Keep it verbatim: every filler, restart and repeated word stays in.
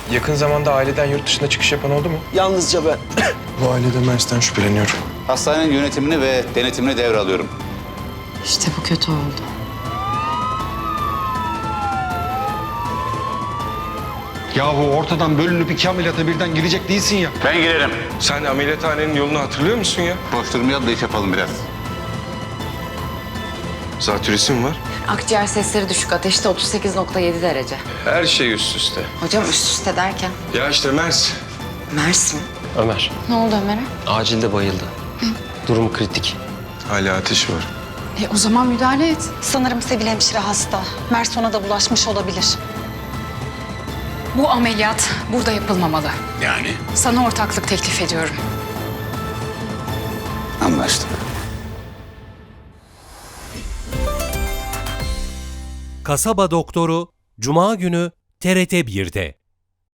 Yakın zamanda aileden yurt dışına çıkış yapan oldu mu? Yalnızca ben. Bu ailede Mers'ten şüpheleniyorum. Hastanenin yönetimini ve denetimini devralıyorum. İşte bu kötü oldu. Yahu ortadan bölünüp iki ameliyata birden girecek değilsin ya. Ben girerim. Sen ameliyathanenin yolunu hatırlıyor musun ya? Boş durmayalım da iş yapalım biraz. Zatürresi mi var? Akciğer sesleri düşük. Ateşte otuz sekiz nokta yedi derece. Her şey üst üste. Hocam üst üste derken? Ya işte Mers. Mers mi? Ömer, Ne oldu Ömer'e? acilde bayıldı. Durumu kritik. Hala ateşi var. E, o zaman müdahale et. Sanırım Sevil hemşire hasta. Mers ona da bulaşmış olabilir. Bu ameliyat burada yapılmamalı. Yani? Sana ortaklık teklif ediyorum. Anlaştık. Kasaba Doktoru Cuma günü T R T bir'de.